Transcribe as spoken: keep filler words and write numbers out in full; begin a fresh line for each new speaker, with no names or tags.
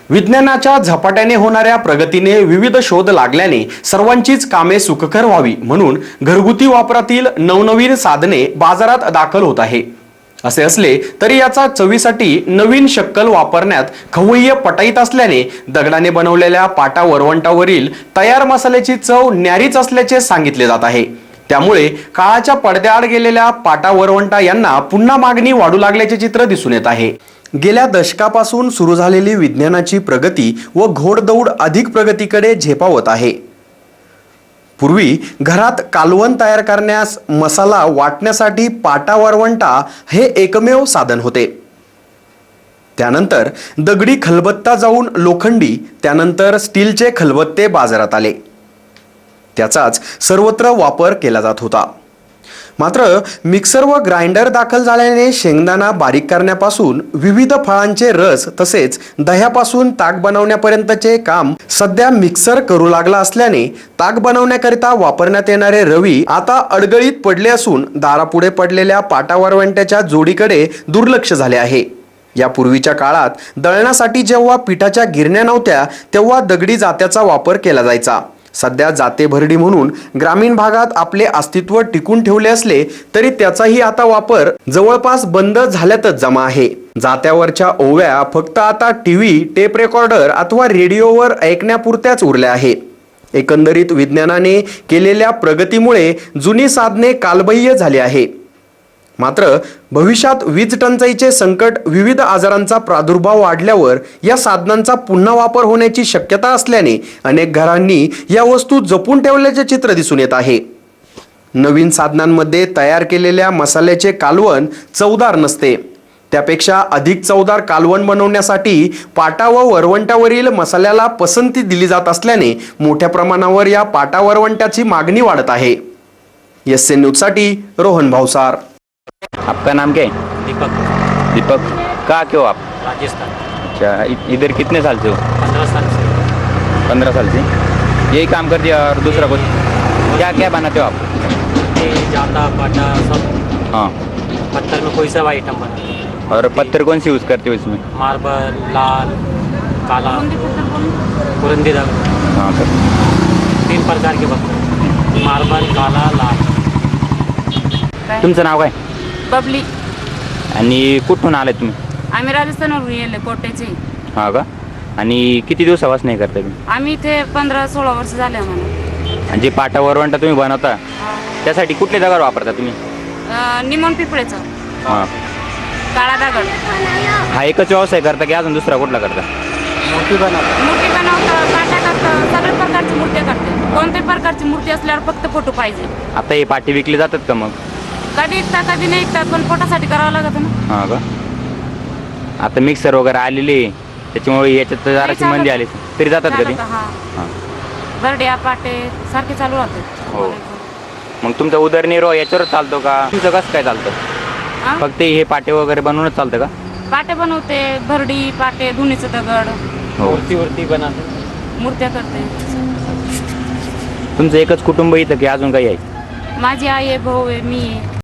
विज्ञानाच्या झपाट्याने होणाऱ्या प्रगतीने विविध शोध लागल्याने सर्वांचीच कामे सुखकर व्हावी म्हणून घरगुती वापरातील नवनवीन साधने बाजारात दाखल होत आहे। असे असले तरी याचा चवीसाठी नवीन शक्कल वापरण्यात खवय्ये पटाईत असल्याने दगडाने बनवलेल्या पाटा वरवंटावरील तयार मसाल्याची चव न्यारीच असल्याचे सांगितले जात आहे। त्यामुळे काळाच्या पडद्याआड गेलेल्या पाटा वरवंटा यांना पुन्हा मागणी वाढू लागल्याचे चित्र दिसून येत आहे। गेल्या दशकापासून सुरू झालेली विज्ञानाची प्रगती व घोडदौड अधिक प्रगतीकडे झेपावत आहे। पूर्वी घरात कालवण तयार करण्यास मसाला वाटण्यासाठी पाटा वरवंटा हे एकमेव साधन होते। त्यानंतर दगडी खलबत्ता जाऊन लोखंडी, त्यानंतर स्टीलचे खलबत्ते बाजारात आले। त्याचाच सर्वत्र वापर केला जात होता। मात्र मिक्सर व ग्राइंडर दाखल झाल्याने शेंगदाणा बारीक करण्यापासून विविध फळांचे रस तसेच दह्यापासून ताक बनवण्यापर्यंतचे काम सध्या मिक्सर करू लागला असल्याने ताक बनवण्याकरिता वापरण्यात येणारे रवी आता अडगळीत पडले असून दारापुढे पडलेल्या पाटा वरवंट्याच्या जोडीकडे दुर्लक्ष झाले आहे। यापूर्वीच्या काळात दळण्यासाठी जेव्हा पिठाच्या गिरण्या नव्हत्या तेव्हा दगडी जात्याचा वापर केला जायचा। सध्या जाते भरडी म्हणून ग्रामीण भागात आपले अस्तित्व टिकून ठेवले असले तरी त्याचाही आता वापर जवळपास बंद झाल्यातच जमा आहे। जात्यावरच्या ओव्या फक्त आता टीव्ही, टेप रेकॉर्डर अथवा रेडिओवर ऐकण्यापुरत्याच उरल्या आहे। एकंदरीत विज्ञानाने केलेल्या प्रगतीमुळे जुनी साधने कालबाह्य झाली आहे। मात्र भविष्यात वीज टंचाईचे संकट, विविध आजारांचा प्रादुर्भाव वाढल्यावर या साधनांचा पुन्हा वापर होण्याची शक्यता असल्याने अनेक घरांनी या वस्तू जपून ठेवल्याचे चित्र दिसून येत आहे। नवीन साधनांमध्ये तयार केलेल्या मसाल्याचे कालवण चवदार नसते। त्यापेक्षा अधिक चवदार कालवण बनवण्यासाठी पाटा व वरवंट्यावरील मसाल्याला पसंती दिली जात असल्याने मोठ्या प्रमाणावर या पाटा वरवंट्याची मागणी वाढत आहे। एस एन न्यूज साठी रोहन भावसार।
आपका नाम क्या है?
दीपक।
दीपक, कहाँ के हो आप?
राजस्थान।
अच्छा, इ- इधर कितने साल से हो?
पंद्रह साल से।
पंद्रह साल से यही काम करते हो और दूसरा कुछ क्या क्या बनाते हो आप?
ये जाता पाटा सब
हाँ,
पत्थर में कोई सब आइटम बना।
और पत्थर कौन सी यूज़ करते हो इसमें?
मार्बल, लाल, काला, कुरंदी दगड़,
हाँ सर।
तीन प्रकार के पत्थर, मार्बल, काला, लाल।
तुमचं नाव काय
बबली।
आणि कुठून आले तुम्ही?
आम्ही राजस्थानवरून येले, कोटेचे।
हा का? आणि किती दिवसापासून हे करता तुम्ही?
आम्ही इथे पंधरा सोळा वर्ष झाले आम्हाला।
आणि जे पाटा वरवंटा तुम्ही बनवता त्यासाठी कुठले दगड वापरता तुम्ही?
अं, निमोन पिपळेचं
हां,
काळा दगड।
हा एकच व्यवसाय करता की अजून दुसरा कुठला करता?
मूर्ति बना।
मूर्ती बनवतं, काटा करतं, सगळ्या प्रकारची मूर्ती करते। कोणत्याही प्रकारची मूर्ती असल्यावर फक्त फोटो पाहिजे।
आता हे पाटे विकले जातात का मग?
कधी ऐकतात कधी नाही ऐकतात, पण फोटोसाठी करावं लागतं ना।
हां का? आता मिक्सर वगैरे आलेले त्याच्यामुळे याच्यात जराशी मंदी आली तरी जातात कधी?
हा,
हां,
बर्ड्या पाटे सारखे चालू राहते।
हो। मग तुमचा उदरनिर्वाह याच्यावर चालतो का? तुमचं कसं काय चालतं?
हा?
फक्त हे पाटे वगैरे बनवूनच चालतं का?
पाटे बनवते, भरडी पाटे, धुणीचं दगड,
हो।
मूर्ति वूर्ति बनाते।
मूर्त्या करते।
तुमचं एकच कुटुंब इथं की अजून काही आहे?
माझी आई आहे, भाऊ आहे, मी आहे।